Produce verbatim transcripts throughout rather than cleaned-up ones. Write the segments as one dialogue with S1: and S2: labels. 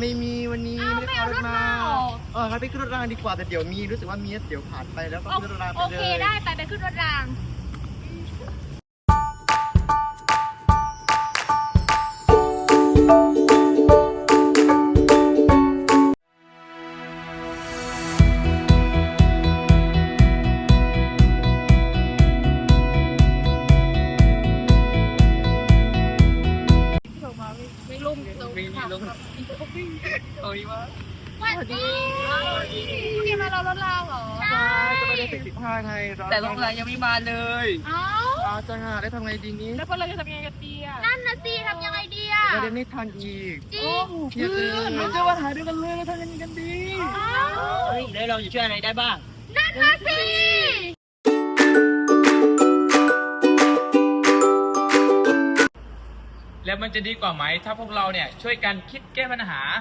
S1: ไม่มีวันนี้ไม่ได้ขับรถมาเออครับไปขึ้นรถรางดีกว่าแต่เดี๋ยวมีรู้สึกว่ามีเดี๋ยวผ่านไปแล้วก็ขึ้นรถรางไปเลยโอเคได้ไปไปขึ้นรถราง
S2: ไม่ลุ่มตรงนี้ค่ะโอ้ยว่าสวัสดีพี่มารอรถรางเหรอ
S1: ใช่จะไปเรียนสิบห้าไง
S2: แต่รถรางยังไม่มาเลย
S1: เอ้าอาจะหาได้ทำไงดีนี้
S2: แล้วพวกเราจะทำยังไงกันดีอ่ะ
S3: นั่นน่ะสิทำยังไงดีอ่ะ
S1: เรียนไม่ทันอีก
S3: จริง
S1: เพียเลย
S2: เราจะมาหาด้วยกันเลยทำยังไงกันดีเฮ้ยแล้วเราจะช่วยอะไรได้บ้าง
S3: นั่นน่ะสิ
S4: แล้วมันจะดีกว่าไหมถ้าพวกเราเนี่ยช่วยกันคิดแก้ปัญหา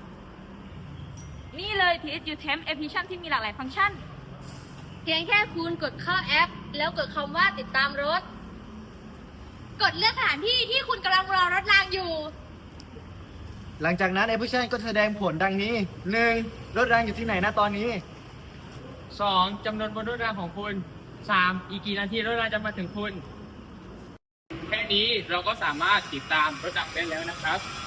S3: นี่เลย ที เอส ยู Temp Application ที่มีหลากหลายฟังก์ชันเพียงแค่คุณกดเข้าแอปแล้วกดคำว่าติดตามรถกดเลือกสถานที่ที่คุณกำลังรอรถรางอยู่
S1: หลังจากนั้นแอปพลิเคชันก็แสดงผลดังนี้หนึ่งรถรางอยู่ที่ไหนนะตอนนี้
S4: สองจำนวนบนรถรางของคุณสามอีกกี่นาทีรถรางจะมาถึงคุณแค่นี้เราก็สามารถติดตามรถรางได้แล้วนะครับ